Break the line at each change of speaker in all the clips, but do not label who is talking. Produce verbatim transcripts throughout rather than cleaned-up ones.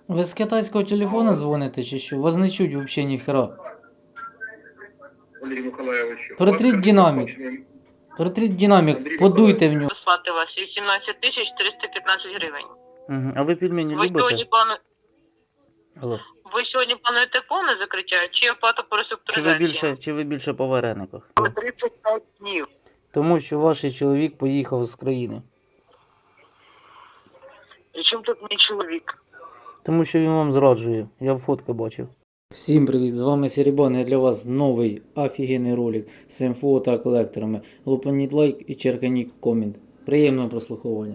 Ви з китайського телефона дзвоните чи що? Вас не чуть взагалі ніхера.
Валерій Миколайович,
Протріть динамік. Протріть динамік, подуйте в нього.
Дослати вас вісімнадцять тисяч триста п'ятнадцять гривень.
Угу. А ви пельмені
Ви
любите?
сьогодні, плану...
Алло.
ви сьогодні плануєте повне закриття чи оплату по
Чи ви
реструктуризації?
більше, чи ви більше по варениках?
тридцять п'ять днів.
Тому що ваш чоловік поїхав з країни.
І чим тут мій чоловік?
Тому що він вам зраджує. Я в фотки бачив. Всім привіт, з вами Серебан, і для вас новий офігенний ролик з інфо та колекторами. Лупаніть лайк і черканіть комент. Приємного прослуховування.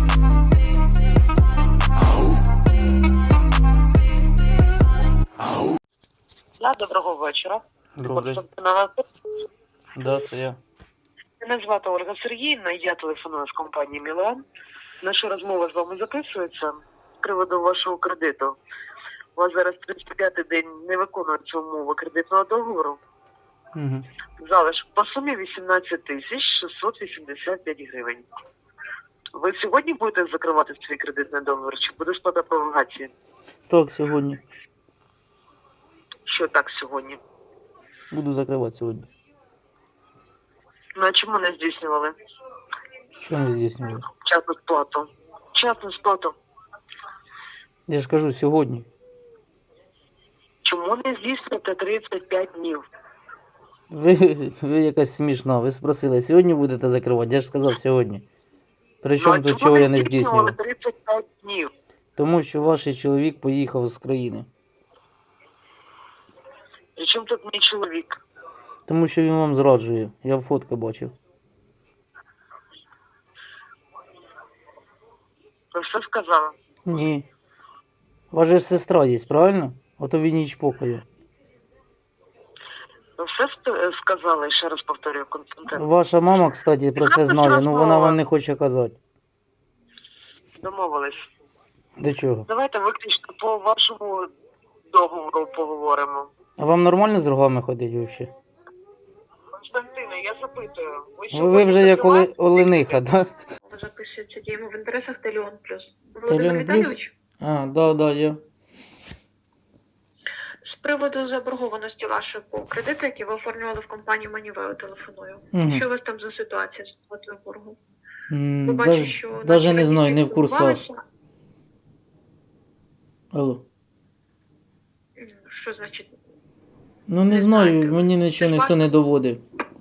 Да, доброго вечора.
Добре.
Константина,
Да, це я.
мене звати Ольга Сергіївна, я телефоную з компанії Мілан. Наша розмова з вами записується з приводу вашого кредиту. У вас зараз тридцять п'ятий день не виконуються умови кредитного договору.
Угу.
Залишок по сумі вісімнадцять тисяч шістсот вісімдесят п'ять гривень. Ви сьогодні будете закривати свій кредитний договір чи буде сплата пролонгації?
Так, сьогодні.
Що так сьогодні?
Буду закривати сьогодні.
Ну а чому не здійснювали
Що не здійснювали?
вчасну сплату? Вчасну сплату.
Я ж кажу, сьогодні.
Чому не здійснюєте тридцять п'ять днів?
Ви, ви якась смішна. Ви спросили, сьогодні будете закривати? Я ж сказав сьогодні. Причому
Ну, а
тут
чому
чого я не
здійснювали
здійснював?
тридцять п'ять днів.
Тому що ваш чоловік поїхав з країни.
І чим тут мій чоловік?
Тому що він вам зраджує. Я в фотки бачив.
Ви все сказали?
Ні. Ваша ж сестра є, правильно? Ото він її чпокає.
Ви все ст- сказали, ще раз повторюю, Константин.
Ваша мама, кстати, про це знає, ну вона вам не хоче казати.
Домовились.
До чого?
Давайте виключно по вашому договору поговоримо.
А вам нормально з рогами ходить взагалі?
Константине, я запитую.
Ви, ви вже як оли, олениха, так? Да?
Записується діємо в інтересах Телеон Плюс.
Телеон
Володимир
Плюс?
Віталійович,
А, да, да, я.
з приводу заборгованості вашої по кредиту, які ви оформлювали в компанії Манівео, телефоную.
Угу.
Що у вас там за ситуація з сплатою боргу?
М,
Ви бачите,
даже,
що
даже
наші
не знаю, не в
працівники
курсах.
спілкувалися.
Алло.
М, Що значить?
Ну не
Не
знаю,
знаєте.
мені нічого ніхто не доводив.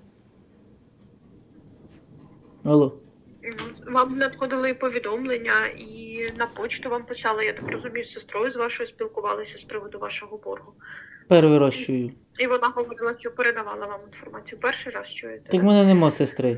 Алло.
Ну, Вам надходили повідомлення і на почту вам писали, я так розумію, з сестрою з вашою спілкувалися з приводу вашого боргу.
Перший раз чую.
І вона говорила, що передавала вам інформацію. Перший раз чуєте?
Так в мене нема сестри.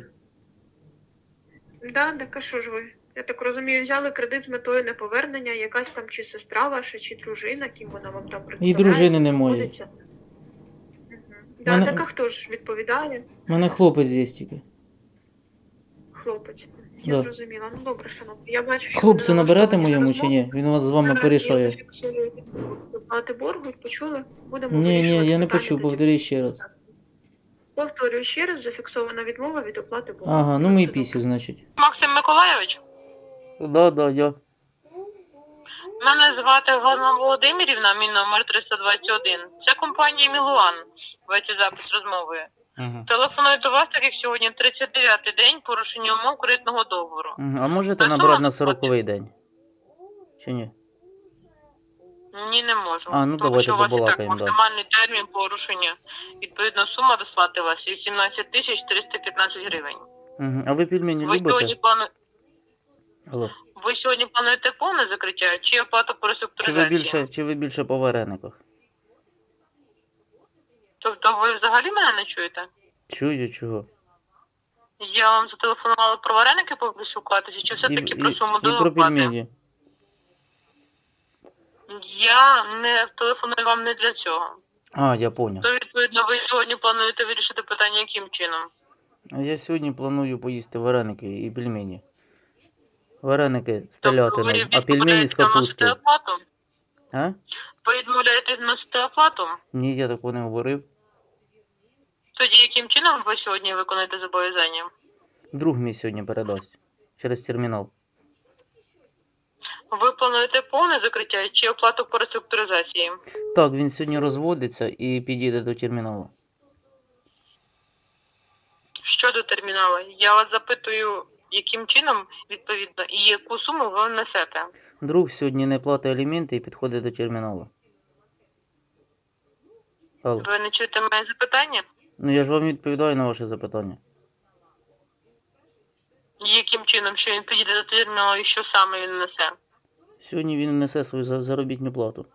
Да, так а що ж ви? Я так розумію, взяли кредит з метою неповернення, якась там чи сестра ваша, чи дружина, ким вона вам там представляє.
І дружини немає.
знаходиться. Мгм. Да,
Мене-
так а хто ж відповідає?
У мене хлопець є тільки.
Хлопець. Я
Да.
зрозуміла. Ну добре, шановні. Я бачу, що
Хлопцю
ви
наберете
налаштовані на
моєму чи
розмову.
ні? Він у вас з вами
Зараз
порішає.
Я зафіксую оплати боргу, почули? Будемо
Ні, ні,
вирішувати
я не
питання
почув,
тоді.
повторюй ще раз.
Повторюю ще раз, зафіксована відмова від оплати боргу.
Ага, ну ми і
Все
пісю, значить.
Максим Миколайович,
Да, да, я.
мене звати Галина Володимирівна, мій номер триста двадцять один. Це компанія Мілуан. Веде запис розмови.
Ага.
Телефоную до вас, так як сьогодні тридцять дев'ятий день порушення умов кредитного договору.
Ага. А можете
Та
набрати
сама
на сороковий день? Чи ні?
Ні, не можу.
А, ну,
Тому
давайте
що у вас і так
побалакаємо, да.
максимальний термін порушення. Відповідно, сума дослати вас вісімнадцять тисяч триста п'ятнадцять гривень.
Ага. А ви пельмені
Ви
любите?
сьогодні, плану...
Алло.
ви сьогодні плануєте повне закриття чи оплату по
Чи ви
реструктуризації?
більше, чи ви більше по варениках?
Тобто ви взагалі мене не чуєте?
Чую, чого?
Я вам зателефонувала про вареники поспілкуватися, чи все-таки про суму
і про
доплати?
пельмені.
Я не телефоную вам не для цього.
А, я понял.
То, відповідно, ви сьогодні плануєте вирішити питання яким чином?
А я сьогодні планую поїсти вареники і пельмені. Вареники з
Тобто ви
телятиною, а пельмені з
відмовляєтеся вносити
капустою.
оплату?
А?
Ви відмовляєтесь вносити оплату?
Ні, я такого не говорив.
Тоді яким чином ви сьогодні виконуєте зобов'язання?
Друг мій сьогодні передасть. Через термінал.
Ви плануєте повне закриття чи оплату по реструктуризації?
Так, він сьогодні розводиться і підійде до терміналу.
Щодо терміналу, я вас запитую, яким чином, відповідно, і яку суму ви несете?
Друг сьогодні не платить аліменти і підходить до терміналу. Алло.
Ви не чуєте моє запитання?
Ну я ж вам відповідаю на ваше запитання.
Яким чином, що він підійде до терміналу і що саме він несе?
Сьогодні він несе свою за- заробітну плату.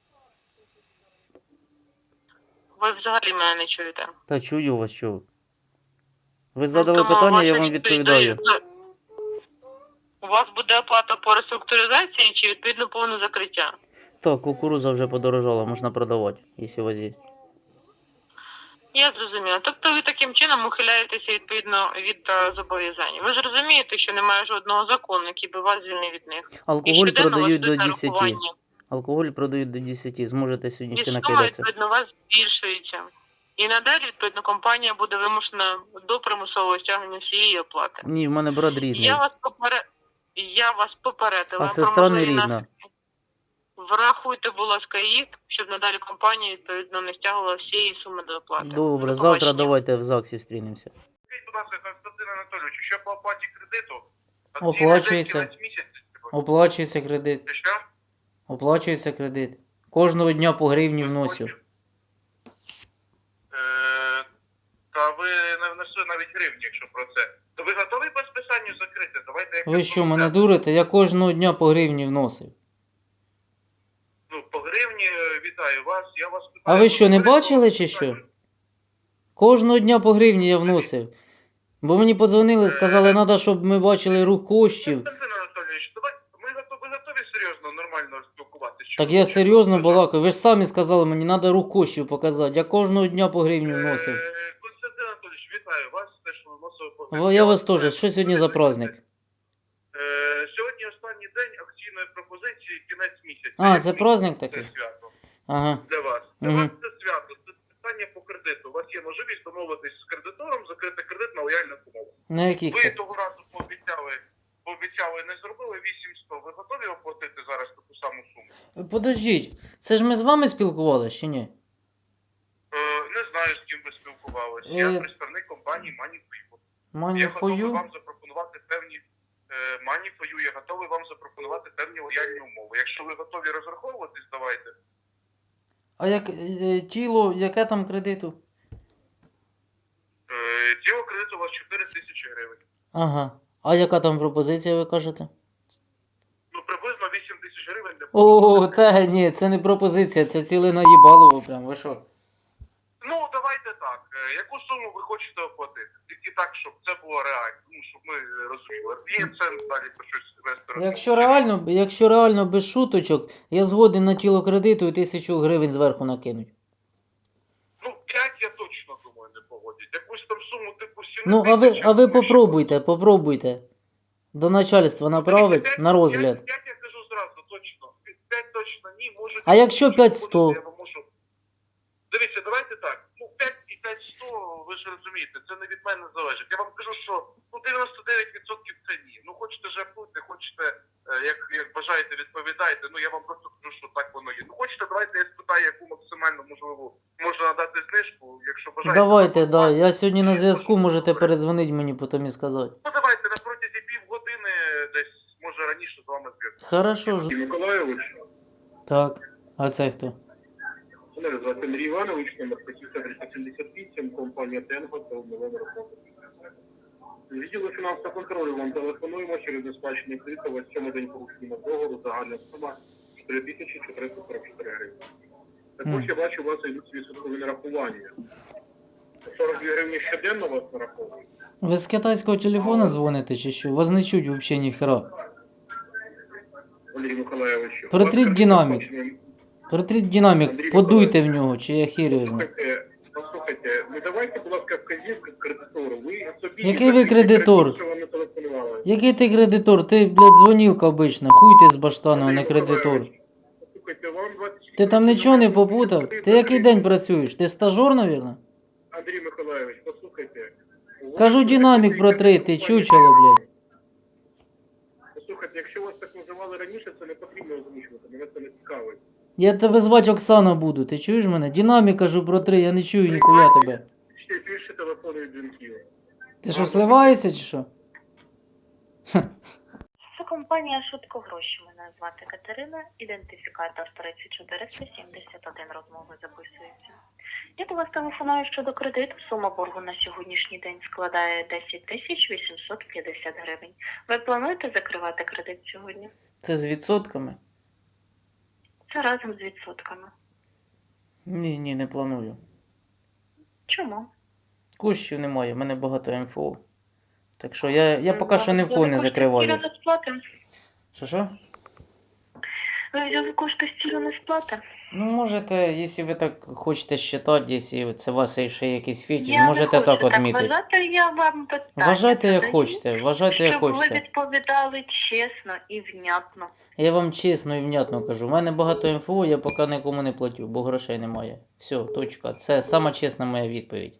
Ви взагалі мене не чуєте.
Та чую вас, що ви. Ви
Ну,
задали
тому
питання,
ваша
я вам
відповідь
відповідаю.
дає- У вас буде оплата по реструктуризації чи відповідно повне закриття?
Так, кукуруза вже подорожала, можна продавати, якщо у вас є.
Я зрозуміла. Тобто ви таким чином ухиляєтеся відповідно від е, зобов'язань. Ви ж розумієте, що немає жодного закону, який би вас звільнив від них.
Алкоголь
щоденно вас
продають до
йдуть
десяти.
нарахування.
Алкоголь продають до десяти. Зможете сьогодні
І
ще
сума,
накидатися.
відповідно, у вас збільшується. І надалі, відповідно, компанія буде вимушена до примусового стягнення всієї оплати.
Ні, в мене брат рідний.
Я вас поперед... Я вас попередила.
А сестра не рідна.
Врахуйте, будь ласка, їх, щоб надалі компанія, відповідно, не стягувала всієї суми до оплати.
Добре,
До
завтра
побачення.
давайте в ЗАГСі зустрінемося.
Скажіть, будь ласка, Константин Анатолійович, що по оплаті кредиту?
Оплачується.
Акційний день кінець місяця.
Оплачується кредит.
Це що?
Оплачується кредит. Кожного дня по гривні вносю.
Е, Та ви не внесли навіть гривні, якщо про це. То ви готові по списанню закрити? Давайте як
Ви що, мене дурите? Я кожного дня по гривні вносив.
Ну, по гривні е, вітаю вас. Я вас питаю.
А ви що, не
ви
бачили
по
чи що?
списанню?
Кожного дня по гривні я вносив. Бо мені подзвонили, сказали, треба, щоб ми бачили рух коштів.
Константин Анатолійович, давай, ми готові, ви готові серйозно, нормально спілкуватися?
Так я серйозно балакаю. Ви ж самі сказали, мені треба рух коштів показати. Я кожного дня по гривні вносив.
Е, Константин Анатолійович, вітаю вас, те, що ви вносили по
Во-
гривні.
Я вас
питаю,
теж. Що сьогодні за праздник?
Е, Сьогодні останній день акційної пропозиції, кінець місяця.
А,
Як
це
місяць
праздник
це
такий?
свято
Ага.
для вас. Для
Мгм.
вас це свято, це питання по кредиту. У вас є можливість домовитись з кредитором, закрити кредит на лояльних умовах.
На яких
Ви
це?
того разу пообіцяли, пообіцяли, не зробили вісімсот. Ви готові оплатити зараз таку саму суму?
Подождіть, це ж ми з вами спілкувалися чи ні?
Е, не знаю, з ким ви спілкувалися.
Е,
Я представник компанії Money.fu.
Мані
Я готовий
фою?
вам запропонувати певні е, Money.fu, я готовий вам запропонувати певні лояльні умови. Якщо ви готові розраховуватись, давайте.
А як е, тіло, яке там кредиту?
Е, Тіло кредиту у вас чотири тисячі гривень.
Ага. А яка там пропозиція, ви кажете?
Ну, приблизно вісім тисяч гривень для
О, та ні, це не пропозиція, це ціле наїбалово прям, ви що?
Ну, давайте так. Е, Яку суму ви хочете оплатити? Тільки так, щоб це було реально. Ну, щоб ми розуміли. Є це далі про щось вести.
Якщо реально, якщо реально без шуточок, я згоден на тіло кредиту і тисячу гривень зверху накинуть.
Ну, п'ять я точно думаю не погодять. Якусь там суму типу сім
Ну, а ви, а ви попробуйте, попробуйте. До начальства направить на розгляд.
п'ять я кажу зразу, точно. п'ять точно ні, може...
А якщо п'ять сто?
Я вам можу... Дивіться, давайте так. Ну, п'ять і п'ять сто, ви ж розумієте, це не від мене залежить. Я вам кажу, що ну, дев'яносто дев'ять відсотків це ні. Ну, хочете жартуйте, хочете, е, як, як бажаєте, відповідайте. Ну, я вам просто кажу, що так воно є. Ну, хочете, давайте я спитаю, яку максимально можливо можна надати знижку, якщо бажаєте.
Давайте,
то-
да. Я сьогодні на зв'язку, можете передзвонити мені потім і сказати.
Ну, давайте на протязі півгодини, десь, може раніше з вами зв'язку.
Хорошо ж.
Миколайович,
Так. А це хто?
мене звати Андрій Іванович, номер триста сімдесят вісім, компанія Тенго, та номер роботи. Відділу фінансового контролю вам телефонуємо через несплачення кредиту, ось цьому день порушення договору, загальна сума чотири тисячі чотириста сорок чотири гривні. Також я бачу, у вас йдуть відсоткові нарахування. сорок дві гривні щоденно у вас нараховують.
Ви з китайського телефона дзвоните чи що? Вас не чуть взагалі ніхера.
Валерій Миколайович.
Протріть динамік. Протріть динамік, подуйте в нього, чи я хірю знаю.
Послухайте, послухайте, ну давайте, будь ласка, вказівки кредитору. Ви собі...
Який ви кредитор?
Що вам не телефонували.
Який ти кредитор? Ти, блядь, дзвонілка обична. Хуй ти з баштану, а не кредитор.
Послухайте, вам двадцять...
Ти там нічого не попутав? Ти який день працюєш? Ти стажер, навірно?
Андрій Миколайович, послухайте.
Кажу, динамік протрити, чучело, блядь.
Послухайте, якщо у вас так називається телефонували раніше, це не потрібно озвучувати, мене це не цікавить.
Я тебе звати Оксана буду, ти чуєш мене? Динамік кажу про три, я не чую ніхуя тебе.
Ще більше телефонують дзвінків.
Ти що, сливаєшся чи що?
Це компанія «Швидко гроші». Мене звати Катерина, ідентифікатор тридцять чотириста сімдесят один, розмови записується. Я до вас телефоную щодо кредиту. Сума боргу на сьогоднішній день складає десять тисяч вісімсот п'ятдесят гривень. Ви плануєте закривати кредит сьогодні?
Це з відсотками?
Це разом з відсотками.
Ні, ні, не планую.
Чому?
Коштів немає, в мене багато ем еф о. Так що я, я поки що не в кого не
Кошти
закриваю.
з цілі не сплати.
Що що?
Ви взяли кошти з цілі не сплати.
Ну, можете, якщо ви так хочете считати, якщо це у вас є ще якийсь фетиш,
Я
можете
не хочу
так відмітити.
вважати, я вам питання
Вважайте як
задаю,
хочете, вважайте як
щоб ви
хочете.
відповідали чесно і внятно.
Я вам чесно і внятно кажу. У мене багато ем еф о, я поки нікому не платю, бо грошей немає. Все, точка. Це сама чесна моя відповідь.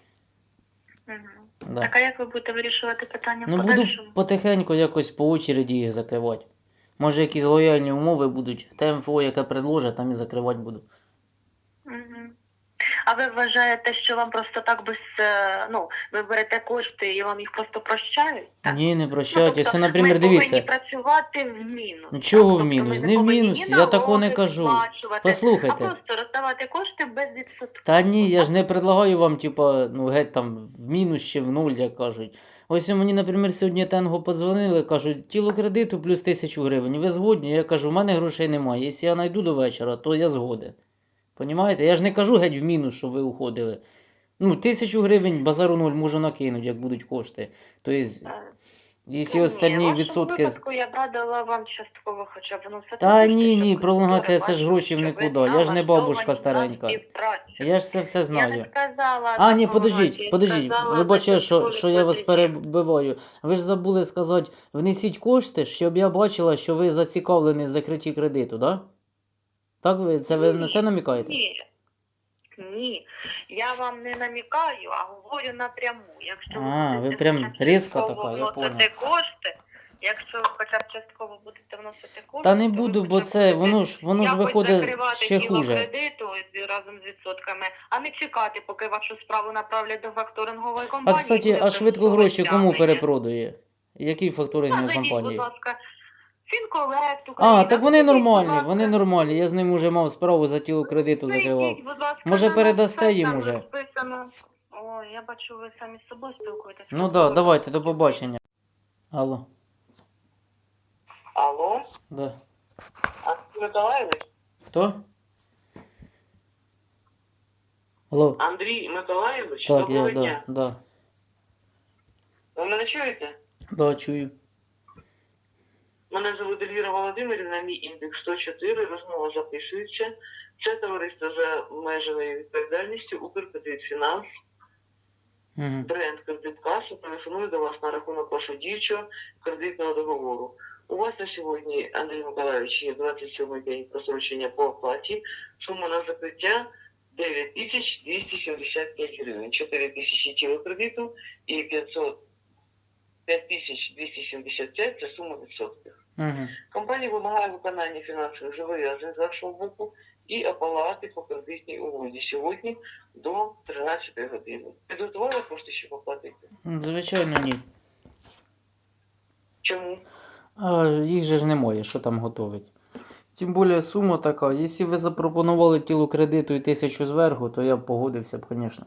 Угу.
Да.
Так, а як ви будете вирішувати питання в
Ну буду
подальшому?
потихеньку якось по очереді їх закривати. Може якісь лояльні умови будуть. Те ем еф о, яке предложать, там і закривати буду.
Угу. А ви вважаєте, що вам просто так без, е, ну, ви берете кошти і вам їх просто прощають? Так?
Ні, не
Ну,
прощайте.
тобто,
Якщо, наприклад,
ми
дивіться.
повинні працювати в мінус.
Ну, чого
так?
в мінус?
Тобто
Не
ми
в
повинні
мінус, я такого не
налоги
кажу.
сплачувати,
Послухайте.
А просто розставати кошти без відсотку.
Та ні, я ж не предлагаю вам, типа, ну геть там в мінус чи в нуль, як кажуть. Ось мені, наприклад, сьогодні Тенго подзвонили, кажуть, тіло кредиту плюс тисячу гривень. Ви згодні? Я кажу, в мене грошей немає. Якщо я знайду до вечора, то я згоден. Понімаєте? Я ж не кажу геть в мінус, щоб ви уходили. Ну, тисячу гривень базару нуль можу накинути, як будуть кошти. Тобто, якщо
Ні,
остальні
в вашому
відсотки...
випадку я б радила вам частково хоча б вносити
Та
кошти,
ні,
щоб
ні,
ви
пролонгація
добре
це ж
бачили,
гроші в
що ви
нікуди. Я ж не
налаштовані
бабушка
на
старенька.
співпрацю.
Я ж це все
Я
знаю.
не сказала
А, ні,
допомагати,
подождіть,
я
подождіть,
сказала
вибачаю, що,
додаткові
що я вас
платежі.
перебиваю. Ви ж забули сказати, внесіть кошти, щоб я бачила, що ви зацікавлені в закритті кредиту, да? Так ви, це ви на це намікаєте?
Ні. Ні, я вам не намікаю, а говорю напряму. Якщо
А,
будете
ви прям
хоча б
різко
частково
така, я
вносити
понял.
кошти, якщо ви хоча б частково будете вносити кошти,
Та не
то ви
буду,
хоча
бо
б
це,
будете
воно ж, воно ж
якось
виходить
закривати
ще
тіло
хуже.
кредиту з- разом з відсотками, а не чекати, поки вашу справу направлять до факторингової
А,
компанії.
кстати,
буде
а швидко
примусове
гроші кому
стягнення.
перепродує? Які факторингові
Назовіть, будь
компанії?
ласка, Фінколект,
А,
Україна.
так вони
Зайдіть, будь
нормальні,
ласка.
вони нормальні. Я з ним уже мав справу за тіло кредиту закривав.
Зайдіть, будь ласка,
Може,
на наш
передасте
сайт,
їм
там
уже?
розписано. О, я бачу, ви самі з собою спілкуєтесь.
Ну так, да, давайте, до побачення. Алло,
Алло,
да.
Андрій Миколаївич?
Хто? Алло.
Андрій Миколаївич,
Так,
доброго
я,
дня.
да, да.
Ви мене чуєте?
Да, чую.
Мене звуть Ельвіра Володимирівна, мій індекс сто чотири, розмова записується. Це товариство за обмеженою відповідальністю Укркредитфінанс,
Угу.
бренд Кредиткаса, телефоную до вас на рахунок вашого діючого кредитного договору. У вас на сьогодні, Андрій Миколаївич, є двадцять сьомий день просрочення по оплаті. Сума на закриття дев'ять тисяч двісті сімдесят п'ять гривень, чотири тисячі тіло кредиту і п'ятсот п'ять тисяч двісті сімдесят п'ять – це сума відсотків.
Угу.
Компанія вимагає виконання фінансових зобов'язань з вашого боку і оплати по кредитній угоді сьогодні до тринадцятої години. Підготували кошти, щоб оплатити?
Звичайно, ні.
Чому?
А їх же ж немає, що там готовить. Тим більше сума така. Якщо ви запропонували тілу кредиту і тисячу зверху, то я б погодився б, звісно.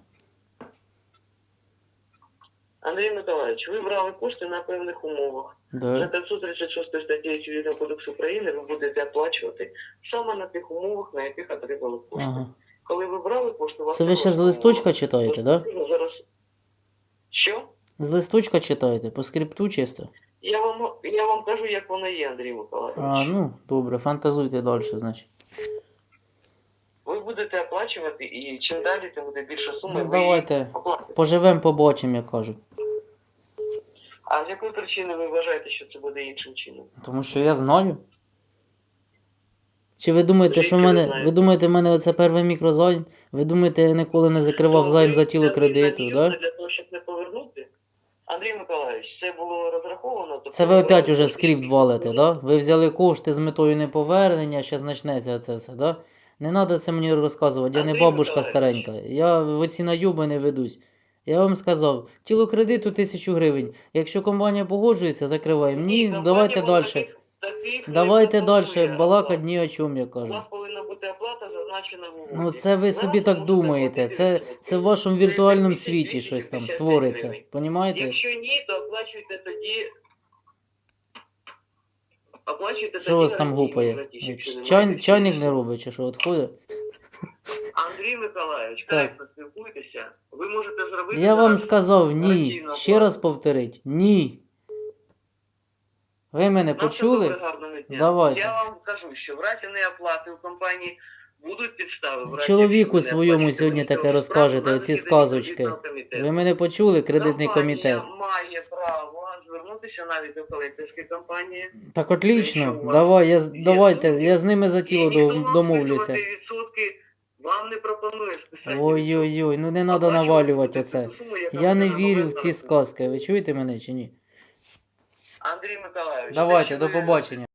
Андрій Миколаївич, ви брали кошти на певних умовах. За
Да.
п'ятсот тридцять шостою статтею Цивільного кодексу України ви будете оплачувати саме на тих умовах, на яких отримали кошти.
Ага.
Коли ви брали кошти, у вас
Це ви
не
ще з
було
листочка
умов.
читаєте, да?
Ну, зараз... Що?
З листочка читаєте, по скрипту чисто?
Я вам, я вам кажу, як воно є, Андрій Миколаївич.
А, ну, добре, фантазуйте далі, значить.
Ви будете оплачувати, і чим далі, тим буде більша сума,
Ну,
і ви її
давайте
оплатите.
поживемо, побачимо, як кажуть.
А з якої причини ви вважаєте, що це буде іншим чином?
Тому що я знаю. Чи ви думаєте, що в
Звідки ви
мене.
знаєте?
Ви думаєте, в мене оце перший мікрозайм? Ви думаєте, я ніколи не закривав
То
займ
ви
за тіло
взяли
кредиту,
на
да?
Для того, щоб не повернути? Андрій Миколаївич, це було розраховано. Тобто
Це ви опять
ви-
уже скрипт валите, да? Ви взяли кошти з метою неповернення, ще почнеться це все, да? Не треба це мені розказувати, я не
Андрій
бабушка
Миколаївич.
старенька. Я в оці найоби не ведусь. Я вам сказав, тіло кредиту тисячу гривень. Якщо компанія погоджується, закриваємо. Ні,
компанія
давайте
вам
далі.
таких- таких не
Давайте далі,
пропонує.
балакать ні о чому, я
У
кажу.
вас повинна бути оплата, зазначена в угоді.
Ну це ви собі
Зараз
так
можете
думаєте,
оплатити
це,
відсотки.
це в вашому
Це
віртуальному
двісті
світі щось там
п'ятдесят
твориться.
гривень.
Понімаєте?
Якщо ні, то оплачуйте тоді. Оплачуйте
Що у вас там
гарантійний
гупає?
платіж, якщо немає
Чай,
більше
чайник
нічого.
не робить, чи що, відходить?
Андрій Миколаївич,
Так.
коректно спілкуйтеся. Ви можете зробити.
Я вам
зараз
сказав ні.
гарантійну
Ще
оплату.
раз повторить. Ні. Ви мене
Нам все
почули?
добре, гарного дня.
Давайте.
Я вам кажу, що в разі неоплати у компанії будуть підстави. В разі,
Чоловіку
якщо ви не
своєму
оплачуєте
сьогодні таке
військову
розкажете,
справу,
оці
наразі
сказочки.
кредитного комітету.
Ви мене почули, кредитний комітет.
Компанія має право звернутися навіть до колекторської компанії.
Так
Якщо
отлично.
у вас
Давай, я, з-
є
давайте,
думки,
я з ними за
І
тіло
ніхто
до-
вам
домовлюся.
списувати відсотки вам не пропонує списати.
Ой-ой-ой, ну не треба
Оплачувати
навалювати
будете
оце.
ту суму, яка
Я не
буде
вірю в
намалена
ці
на рахунку.
сказки. Ви чуєте мене чи ні?
Андрій Миколаївич,
Давайте,
те,
до
що ви
побачення.